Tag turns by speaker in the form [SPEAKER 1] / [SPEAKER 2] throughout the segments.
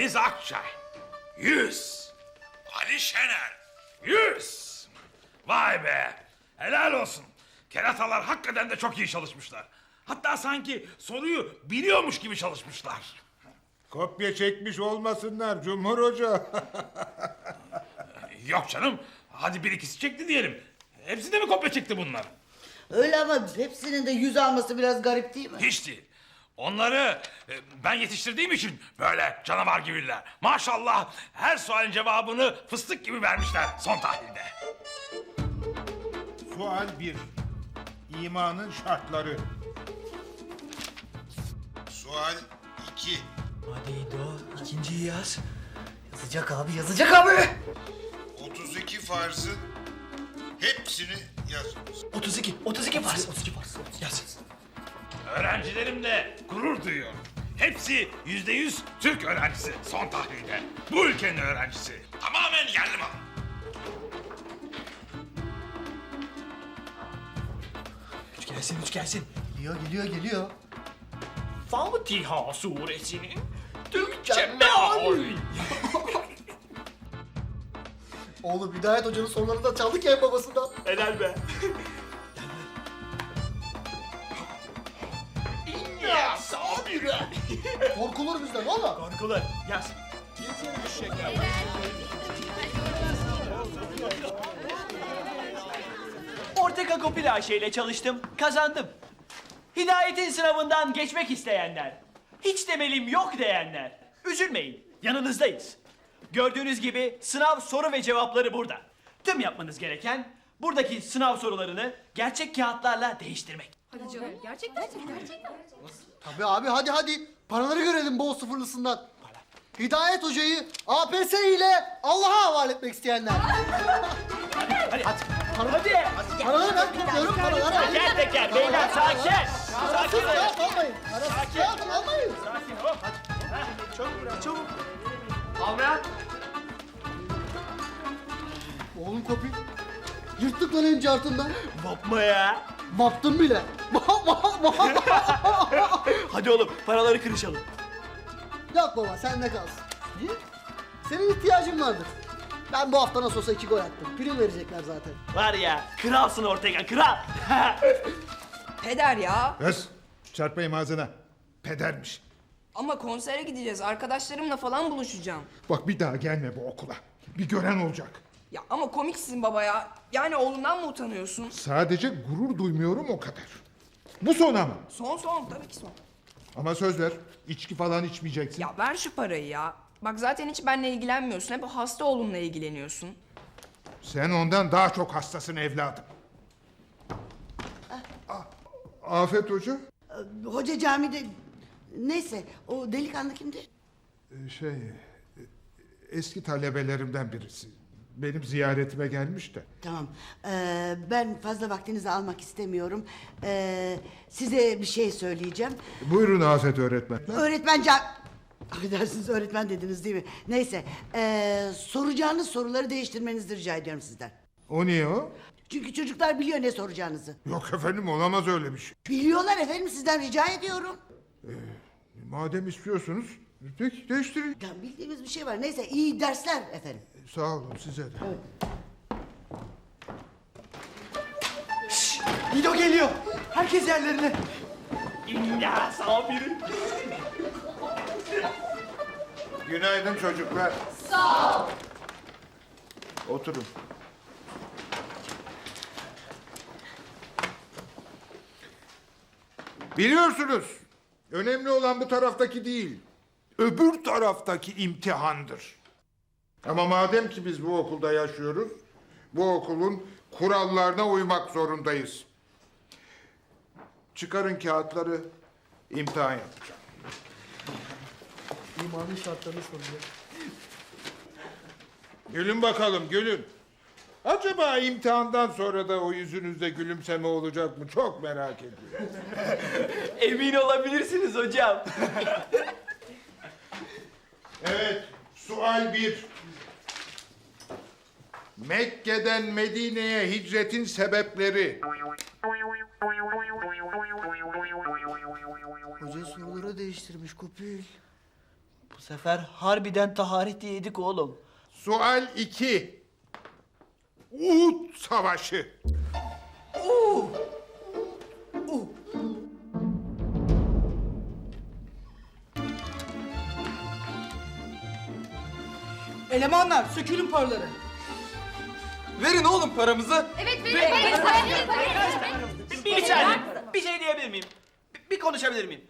[SPEAKER 1] Deniz Akçay 100. Ali Şener 100. Vay be, helal olsun. Keratalar hakikaten de çok iyi çalışmışlar. Hatta sanki soruyu biliyormuş gibi çalışmışlar.
[SPEAKER 2] Kopya çekmiş olmasınlar Cumhur Hoca.
[SPEAKER 1] Yok canım, hadi bir ikisi çekti diyelim. Hepsi de mi kopya çekti bunlar?
[SPEAKER 3] Öyle ama hepsinin de 100 alması biraz garip değil mi?
[SPEAKER 1] Hiç değil. Onları ben yetiştirdiğim için böyle canavar gibiler. Maşallah her sualin cevabını fıstık gibi vermişler son tahlilde.
[SPEAKER 2] Sual 1. İmanın şartları. Sual 2.
[SPEAKER 4] Hadi İdo, ikinciyi yaz. Yazacak abi, yazacak abi.
[SPEAKER 2] 32 farzın hepsini yazınız.
[SPEAKER 4] 32 farz. 32 farz. Yaz.
[SPEAKER 1] Öğrencilerimle gurur duyuyorum. Hepsi %100 Türk öğrencisi son tahlilde. Bu ülkenin öğrencisi. Tamamen yerli malı.
[SPEAKER 4] Üç gelsin.
[SPEAKER 5] Geliyor.
[SPEAKER 4] Fatiha suresinin Türkçe meali.
[SPEAKER 5] Oğlum Hidayet Hoca'nın sorularını da çaldık ya en babasından.
[SPEAKER 4] Helal be. Ya sabire.
[SPEAKER 5] Korkulur bizden oğlum.
[SPEAKER 4] Korkular, yaz. Ortega Kopil Ayşe ile çalıştım, kazandım. Hidayet'in sınavından geçmek isteyenler, hiç temelim yok diyenler, üzülmeyin, yanınızdayız. Gördüğünüz gibi sınav soru ve cevapları burada. Tüm yapmanız gereken buradaki sınav sorularını gerçek kağıtlarla değiştirmek.
[SPEAKER 6] Hadi canım. Gerçekten.
[SPEAKER 5] Tabii abi hadi. Paraları görelim bol sıfırlısından. Hidayet Hoca'yı APS ile Allah'a havale etmek isteyenler.
[SPEAKER 4] Hadi.
[SPEAKER 5] Paraları ben tutuyorum paraları.
[SPEAKER 4] Teker teker beyler sakin.
[SPEAKER 5] Parasız
[SPEAKER 4] Sakin olun.
[SPEAKER 5] kağıt almayın. Parasız kağıt almayın.
[SPEAKER 4] Sakin hop. Çabuk.
[SPEAKER 5] Oğlum Kopil. Yırttık lan en cartından.
[SPEAKER 4] Yapma ya.
[SPEAKER 5] Baktım bile.
[SPEAKER 4] Hadi oğlum paraları kırışalım.
[SPEAKER 5] Yok baba sende kalsın. Niye? Senin ihtiyacın vardır. Ben bu hafta nasıl olsa 2 gol attım. Prim verecekler zaten.
[SPEAKER 4] Var ya kralsın Ortega kral.
[SPEAKER 6] Peder ya.
[SPEAKER 2] Kız çarpayım ağzına. Pedermiş.
[SPEAKER 6] Ama konsere gideceğiz. Arkadaşlarımla falan buluşacağım.
[SPEAKER 2] Bak bir daha gelme bu okula. Bir gören olacak.
[SPEAKER 6] Ya ama komiksin baba ya. Yani oğlundan mı utanıyorsun?
[SPEAKER 2] Sadece gurur duymuyorum o kadar. Bu son ama.
[SPEAKER 6] Son tabii ki son.
[SPEAKER 2] Ama söz ver. İçki falan içmeyeceksin.
[SPEAKER 6] Ya ver şu parayı ya. Bak zaten hiç benimle ilgilenmiyorsun. Hep o hasta oğlunla ilgileniyorsun.
[SPEAKER 2] Sen ondan daha çok hastasın evladım. Afet Hoca?
[SPEAKER 3] Hoca camide... Neyse, o delikanlı kimdi?
[SPEAKER 2] Eski talebelerimden birisi. Benim ziyaretime gelmiş de.
[SPEAKER 3] Tamam, ben fazla vaktinizi almak istemiyorum. Size bir şey söyleyeceğim.
[SPEAKER 2] Buyurun Afet öğretmen.
[SPEAKER 3] Öğretmen Affedersiniz öğretmen dediniz değil mi? Neyse, soracağınız soruları değiştirmenizi rica ediyorum sizden.
[SPEAKER 2] O niye o?
[SPEAKER 3] Çünkü çocuklar biliyor ne soracağınızı.
[SPEAKER 2] Yok efendim olamaz öyle bir şey.
[SPEAKER 3] Biliyorlar efendim, sizden rica ediyorum.
[SPEAKER 2] Madem istiyorsunuz peki değiştirin.
[SPEAKER 3] Ya bildiğimiz bir şey var. Neyse, iyi dersler efendim.
[SPEAKER 2] Sağ olun size de.
[SPEAKER 4] İdo geliyor. Herkes yerlerine. İnna sabiri.
[SPEAKER 2] Günaydın çocuklar. Sağ ol. Oturun. Biliyorsunuz, önemli olan bu taraftaki değil, öbür taraftaki imtihandır. Ama madem ki biz bu okulda yaşıyoruz, bu okulun kurallarına uymak zorundayız. Çıkarın kağıtları, imtihan yapacağım.
[SPEAKER 5] İmanın şartlarını soruyor.
[SPEAKER 2] Gülün bakalım, gülün. Acaba imtihandan sonra da o yüzünüzde gülümseme olacak mı? Çok merak ediyorum.
[SPEAKER 4] Emin olabilirsiniz hocam.
[SPEAKER 2] Evet, sual 1. Mekke'den Medine'ye hicretin sebepleri.
[SPEAKER 5] Hoca soruları değiştirmiş Kopil. Bu
[SPEAKER 4] sefer harbiden tahareti yedik oğlum.
[SPEAKER 2] Sual 2. Uhud Savaşı.
[SPEAKER 7] Elemanlar sökülün paraları.
[SPEAKER 8] Verin oğlum paramızı.
[SPEAKER 4] Bir saniye. Bir şey diyebilir miyim? Bir konuşabilir miyim?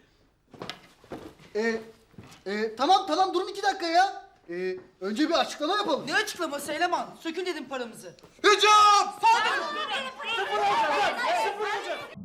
[SPEAKER 5] Tamam durun 2 dakika ya. Önce bir açıklama yapalım.
[SPEAKER 7] Ne açıklaması eleman? Sökün dedim paramızı.
[SPEAKER 8] Hücum!